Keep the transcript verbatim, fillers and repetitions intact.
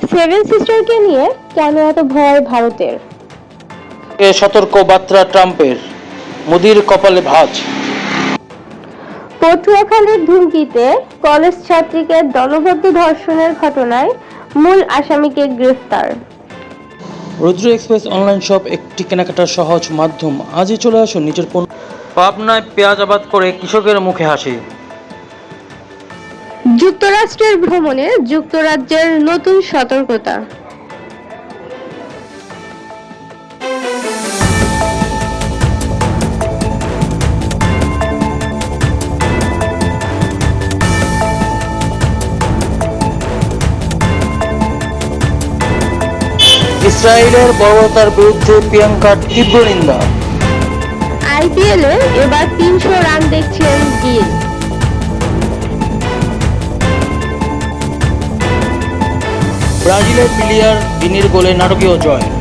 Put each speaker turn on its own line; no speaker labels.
Seven সিস্টারকে নিয়ে কেন এত ভয় ভারতের?
সতর্ক বার্তা ট্রাম্পের, মোদির কপালে ভাঁজ।
পটুয়াখালীর ধুমকিতে কলেজ ছাত্রীকে দলবদ্ধ ধর্ষণের ঘটনায় মূল আসামিকে গ্রেফতার।
রুদ্র এক্সপ্রেস অনলাইন শপ একটি কেনাকাটার সহজ মাধ্যম। আজই চলে আসুন নিজের পণ্য। পাবনায় পেঁয়াজ আবাদ করে কৃষকের মুখে হাসি।
যুক্তরাষ্ট্রের ভ্রমণে যুক্তরাজ্যের নতুন সতর্কতা।
ইসরায়েলের বর্বরতার বিরুদ্ধে প্রিয়াঙ্কার তীব্র নিন্দা।
আইপিএলে এবার তিনশো রান দেখছেন গিল।
ব্রাজিলের প্লেয়ার দিনের গোলে নাটকীয় জয়।